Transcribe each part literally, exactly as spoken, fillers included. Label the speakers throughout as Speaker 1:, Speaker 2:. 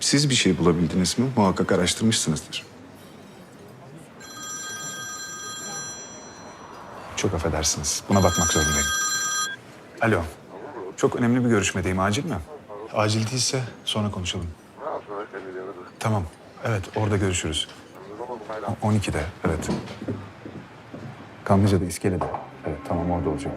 Speaker 1: Siz bir şey bulabildiniz mi? Muhakkak araştırmışsınızdır. Çok affedersiniz. Buna bakmak zorundayım. Alo. Çok önemli bir görüşmedeyim. Acil mi? Acil değilse sonra konuşalım. Tamam. Evet, orada görüşürüz. O- on ikide, evet. Kanlıca'da, iskelede. Evet, tamam orada olacağım.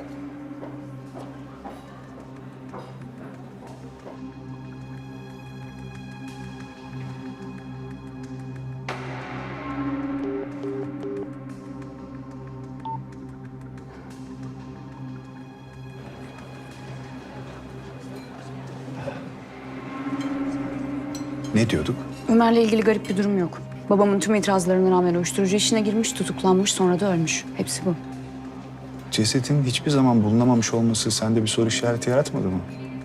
Speaker 1: Ne diyorduk?
Speaker 2: Ömer'le ilgili garip bir durum yok. Babamın tüm itirazlarına rağmen uyuşturucu işine girmiş, tutuklanmış, sonra da ölmüş. Hepsi bu.
Speaker 1: Cesetin hiçbir zaman bulunamamış olması sende bir soru işareti yaratmadı mı?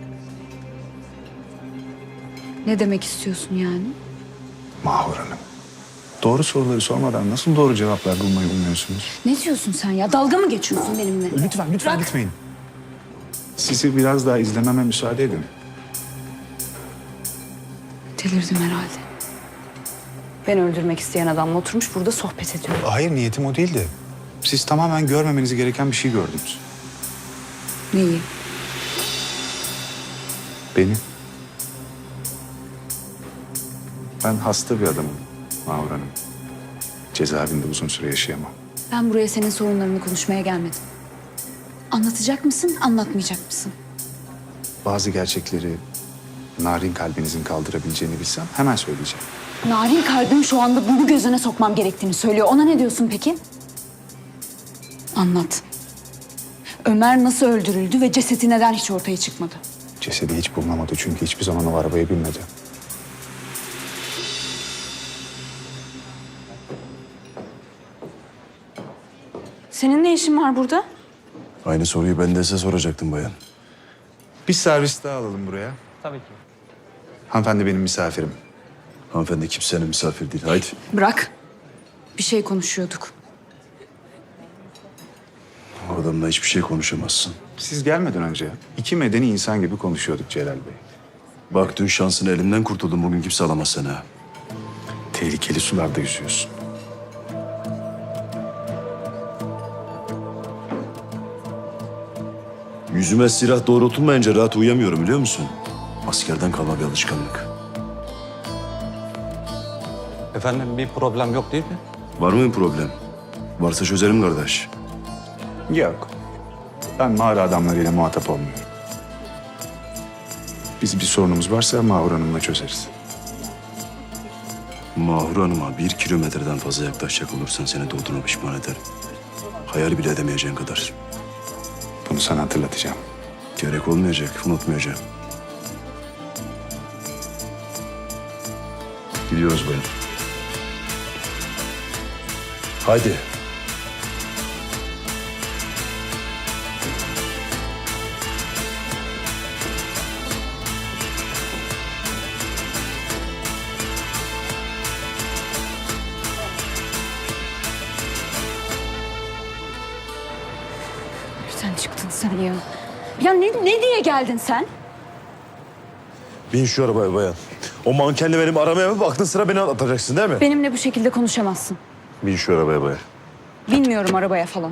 Speaker 2: Ne demek istiyorsun yani?
Speaker 1: Mahur Hanım. Doğru soruları sormadan nasıl doğru cevaplar bulmayı bilmiyorsunuz?
Speaker 2: Ne diyorsun sen ya? Dalga mı geçiyorsun benimle?
Speaker 1: Lütfen, lütfen
Speaker 2: Bırak.
Speaker 1: gitmeyin. Sizi biraz daha izlememe müsaade edin.
Speaker 2: Delirdim herhalde. Ben öldürmek isteyen adamla oturmuş burada sohbet ediyor.
Speaker 1: Hayır, niyetim o değildi. Siz tamamen görmemeniz gereken bir şey gördünüz.
Speaker 2: Neyi?
Speaker 1: Beni. Ben hasta bir adamım Mahur Hanım. Cezaevinde uzun süre yaşayamam.
Speaker 2: Ben buraya senin sorunlarını konuşmaya gelmedim. Anlatacak mısın, anlatmayacak mısın?
Speaker 1: Bazı gerçekleri narin kalbinizin kaldırabileceğini bilsem hemen söyleyeceğim.
Speaker 2: Narin kalbim şu anda bunu gözüne sokmam gerektiğini söylüyor. Ona ne diyorsun peki? Anlat. Ömer nasıl öldürüldü ve cesedi neden hiç ortaya çıkmadı?
Speaker 1: Cesedi hiç bulunamadı çünkü hiçbir zaman o arabaya binmedi.
Speaker 2: Senin ne işin var burada?
Speaker 3: Aynı soruyu ben de size soracaktım bayan.
Speaker 1: Bir servis daha alalım buraya.
Speaker 4: Tabii ki.
Speaker 1: Hanımefendi benim misafirim.
Speaker 3: Hanımefendi kimsenin misafir değil. Haydi.
Speaker 2: Bırak. Bir şey konuşuyorduk.
Speaker 3: O adamla hiçbir şey konuşamazsın.
Speaker 1: Siz gelmeden önce iki medeni insan gibi konuşuyorduk Celal Bey.
Speaker 3: Bak dün şansını elimden kurtuldum. Bugün kimse alamaz seni ha.
Speaker 1: Tehlikeli sularda yüzüyorsun.
Speaker 3: Yüzüme silah doğrultulmayınca rahat uyuyamıyorum biliyor musun? Askerden kalma bir alışkanlık.
Speaker 4: Efendim bir problem yok değil mi?
Speaker 3: Var mı bir problem? Varsa çözelim kardeş.
Speaker 1: Yok. Ben mağara adamlarıyla muhatap olmuyorum. Biz bir sorunumuz varsa Mahur Hanım'la çözeriz.
Speaker 3: Mahur Hanım'a bir kilometreden fazla yaklaşacak olursan seni doğduğuna pişman ederim. Hayal bile edemeyeceğin kadar.
Speaker 1: Bunu sana hatırlatacağım.
Speaker 3: Gerek olmayacak, unutmayacağım. Gidiyoruz bayan. Haydi.
Speaker 2: Nereden çıktın sen ya? Ya ne, ne diye geldin sen?
Speaker 3: Bin şu arabaya bayan. O mankenle benim aramaya mı baktın, sıra beni atacaksın değil mi?
Speaker 2: Benimle bu şekilde konuşamazsın.
Speaker 3: Bin şu arabaya bayan.
Speaker 2: Bilmiyorum arabaya falan.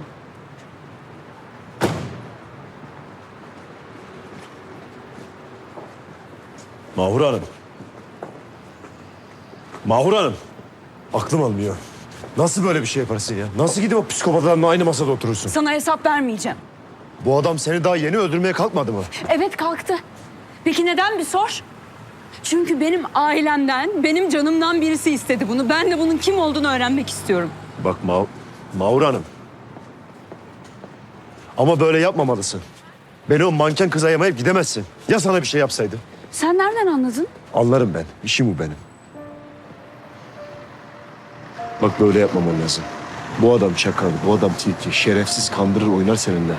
Speaker 3: Mahur Hanım. Mahur Hanım. Aklım almıyor. Nasıl böyle bir şey yaparsın ya? Nasıl gidip o psikopat adamla aynı masada oturursun?
Speaker 2: Sana hesap vermeyeceğim.
Speaker 3: Bu adam seni daha yeni öldürmeye kalkmadı mı?
Speaker 2: Evet kalktı. Peki neden bir sor? Çünkü benim ailemden, benim canımdan birisi istedi bunu. Ben de bunun kim olduğunu öğrenmek istiyorum.
Speaker 3: Bak Ma Mahur Hanım. Ama böyle yapmamalısın. Beni o manken kıza yamayıp gidemezsin. Ya sana bir şey yapsaydı?
Speaker 2: Sen nereden anladın?
Speaker 3: Anlarım ben. İşim bu benim. Bak böyle yapmaman lazım. Bu adam çakal, bu adam tilki. Şerefsiz kandırır oynar seninle.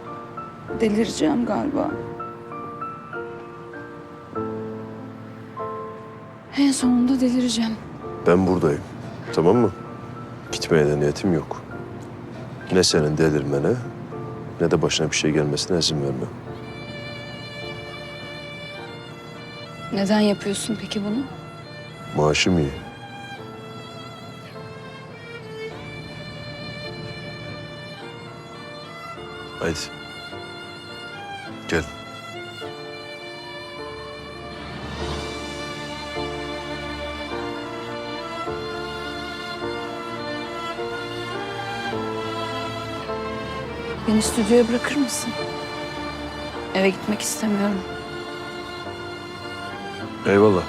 Speaker 2: Delireceğim galiba. sonunda delireceğim.
Speaker 3: Ben buradayım. Tamam mı? Gitmeye de niyetim yok. Ne senin delirmene ne de başına bir şey gelmesine izin vermem.
Speaker 2: Neden yapıyorsun peki bunu?
Speaker 3: Maaşım iyi. Haydi. Gel.
Speaker 2: Beni stüdyoya bırakır mısın? Eve gitmek istemiyorum.
Speaker 3: Eyvallah.